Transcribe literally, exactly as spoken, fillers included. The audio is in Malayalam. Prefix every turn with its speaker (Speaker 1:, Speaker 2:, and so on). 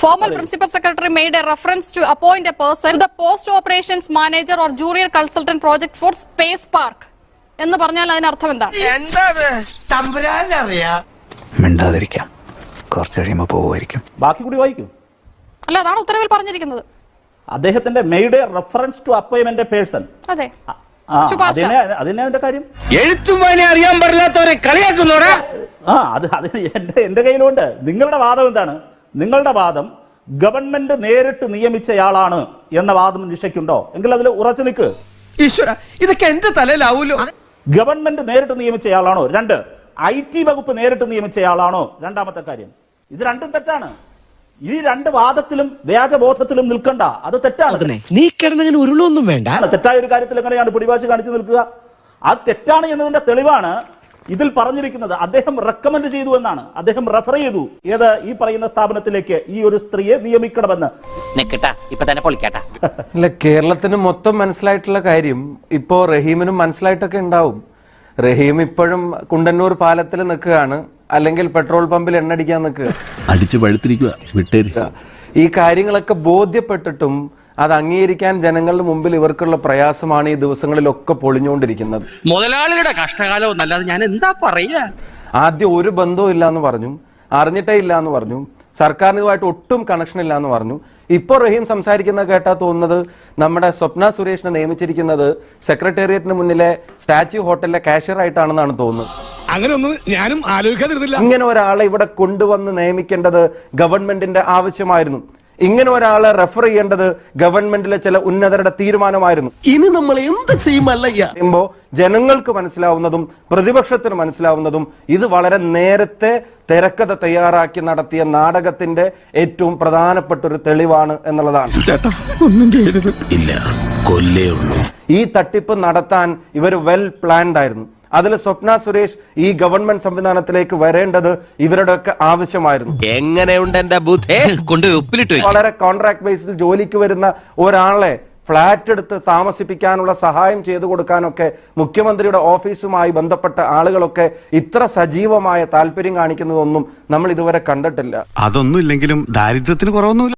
Speaker 1: Former Principal Secretary made a reference to appoint a person to the Post Operations Manager or Junior Consultant Project for Space Park. എന്ന് പറഞ്ഞാൽ അതിന് അർത്ഥം എന്താണ്?
Speaker 2: മിണ്ടാതിരിക്കാം, കുറച്ച് കഴിയുമ്പോൾ പോവുമായിരിക്കും.
Speaker 3: ബാക്കി കൂടി വായിക്കും.
Speaker 1: അല്ല, അതാണ് ഉത്തരവിൽ പറഞ്ഞിരിക്കുന്നത്.
Speaker 3: അദ്ദേഹത്തിന്റെ made reference to appointment person.
Speaker 1: അതെ,
Speaker 3: അതിനെ അതിന്റെ കാര്യം
Speaker 4: എഴുത്തും വായന അറിയാൻ പാടില്ലാത്തവരെ കളിയാക്കുന്നോടാ.
Speaker 3: ആ അത് അതിന് എന്റെ എന്റെ കയ്യിലുണ്ട്. നിങ്ങളുടെ വാദം എന്താണ്? നിങ്ങളുടെ വാദം ഗവൺമെന്റ് നേരിട്ട് നിയമിച്ചയാളാണ് എന്ന വാദം നിഷയ്ക്കുണ്ടോ? എങ്കിൽ അതിൽ ഉറച്ചു നിൽക്ക്.
Speaker 4: ഈശ്വര, ഇതൊക്കെ എന്റെ തലയിലാവൂലോ.
Speaker 3: ഗവൺമെന്റ് നേരിട്ട് നിയമിച്ചയാളാണോ? രണ്ട്, ഐ ടി വകുപ്പ് നേരിട്ട് നിയമിച്ചയാളാണോ? രണ്ടാമത്തെ കാര്യം. ഇത് രണ്ടും തെറ്റാണ്. ഈ രണ്ട് വാദത്തിലും വ്യാജബോധത്തിലും നിൽക്കണ്ട, അത് തെറ്റാണ്.
Speaker 5: നീ കിടന്നങ്ങനെ ഉരുളൊന്നും വേണ്ട.
Speaker 3: തെറ്റായ ഒരു കാര്യത്തിൽ എങ്ങനെയാണ് പിടിവാശി കാണിച്ചു നിൽക്കുക? അത് തെറ്റാണ് എന്നതിന്റെ തെളിവാണ് ഇതിൽ പറഞ്ഞിരിക്കുന്നത്. അദ്ദേഹം റെക്കമെൻഡ് ചെയ്തു എന്നാണ്, അദ്ദേഹം റെഫർ ചെയ്തു ഏത് ഈ പറയുന്ന സ്ഥാപനത്തിലേക്ക് ഈ ഒരു സ്ത്രീയെ നിയമിക്കണമെന്ന്.
Speaker 6: അല്ല, കേരളത്തിന് മൊത്തം മനസ്സിലായിട്ടുള്ള കാര്യം ഇപ്പോ റഹീമിനും മനസ്സിലായിട്ടൊക്കെ ഉണ്ടാവും. റഹീം ഇപ്പോഴും കുണ്ടന്നൂർ പാലത്തിൽ നിൽക്കുകയാണ്, അല്ലെങ്കിൽ പെട്രോൾ പമ്പിൽ എണ്ണടിക്കാൻ നിൽക്കുക.
Speaker 7: അടിച്ചു പഴുത്തിരിക്കുക വിട്ടേരി.
Speaker 6: ഈ കാര്യങ്ങളൊക്കെ ബോധ്യപ്പെട്ടിട്ടും അത് അംഗീകരിക്കാൻ ജനങ്ങളുടെ മുമ്പിൽ ഇവർക്കുള്ള പ്രയാസമാണ് ഈ ദിവസങ്ങളിലൊക്കെ പൊളിഞ്ഞുകൊണ്ടിരിക്കുന്നത്.
Speaker 4: മുതലാളിയുടെ കഷ്ടകാലം എന്നല്ലാതെ ഞാൻ എന്താ പറയാ.
Speaker 6: ആദ്യം ഒരു ബന്ധവും ഇല്ല എന്ന് പറഞ്ഞു, അറിഞ്ഞിട്ടേ ഇല്ല എന്ന് പറഞ്ഞു, സർക്കാരിന് ഇതുമായിട്ട് ഒട്ടും കണക്ഷൻ ഇല്ല എന്ന് പറഞ്ഞു. ഇപ്പോൾ റഹീം സംസാരിക്കുന്നത് കേട്ടാ തോന്നുന്നത് നമ്മുടെ സ്വപ്ന സുരേഷിനെ നിയമിച്ചിരിക്കുന്നത് സെക്രട്ടേറിയറ്റിന് മുന്നിലെ സ്റ്റാച്യു ഹോട്ടലിലെ കാഷ്യർ ആയിട്ടാണെന്നാണ് തോന്നുന്നത്.
Speaker 5: അങ്ങനെ ഒന്നും ഞാനും ആലോചിക്കാതിരുന്നില്ല.
Speaker 6: ഇങ്ങനെ ഒരാളെ ഇവിടെ കൊണ്ടുവന്ന് നിയമിക്കേണ്ടത് ഗവൺമെന്റിന്റെ ആവശ്യമായിരുന്നു. ഇങ്ങനെ ഒരാളെ റെഫർ ചെയ്യേണ്ടത് ഗവൺമെന്റിലെ ചില ഉന്നതരുടെ തീരുമാനമായിരുന്നു.
Speaker 5: ഇനി നമ്മൾ എന്ത് ചെയ്യുമല്ലയ്യ
Speaker 6: പറയുമ്പോ ജനങ്ങൾക്ക് മനസ്സിലാവുന്നതും പ്രതിപക്ഷത്തിന് മനസ്സിലാവുന്നതും ഇത് വളരെ നേരത്തെ തിരക്കഥ തയ്യാറാക്കി നടത്തിയ നാടകത്തിന്റെ ഏറ്റവും പ്രധാനപ്പെട്ട ഒരു തെളിവാണ് എന്നുള്ളതാണ്.
Speaker 7: ഇല്ല, കൊല്ലേ ഉള്ളൂ.
Speaker 6: ഈ തട്ടിപ്പ് നടത്താൻ ഇവർ വെൽ പ്ലാൻഡ് ആയിരുന്നു. അതിൽ സ്വപ്ന സുരേഷ് ഈ ഗവൺമെന്റ് സംവിധാനത്തിലേക്ക് വരേണ്ടത് ഇവരുടെയൊക്കെ ആവശ്യമായിരുന്നു.
Speaker 7: എങ്ങനെയുണ്ട് എന്റെ ബുദ്ധി?
Speaker 6: വളരെ കോൺട്രാക്ട് ബേസിൽ ജോലിക്ക് വരുന്ന ഒരാളെ ഫ്ലാറ്റ് എടുത്ത് താമസിപ്പിക്കാനുള്ള സഹായം ചെയ്തു കൊടുക്കാനൊക്കെ മുഖ്യമന്ത്രിയുടെ ഓഫീസുമായി ബന്ധപ്പെട്ട ആളുകളൊക്കെ ഇത്ര സജീവമായ താല്പര്യം കാണിക്കുന്നതൊന്നും നമ്മൾ ഇതുവരെ കണ്ടിട്ടില്ല.
Speaker 7: അതൊന്നും ഇല്ലെങ്കിലും ദാരിദ്ര്യത്തിന് കുറവൊന്നുമില്ല.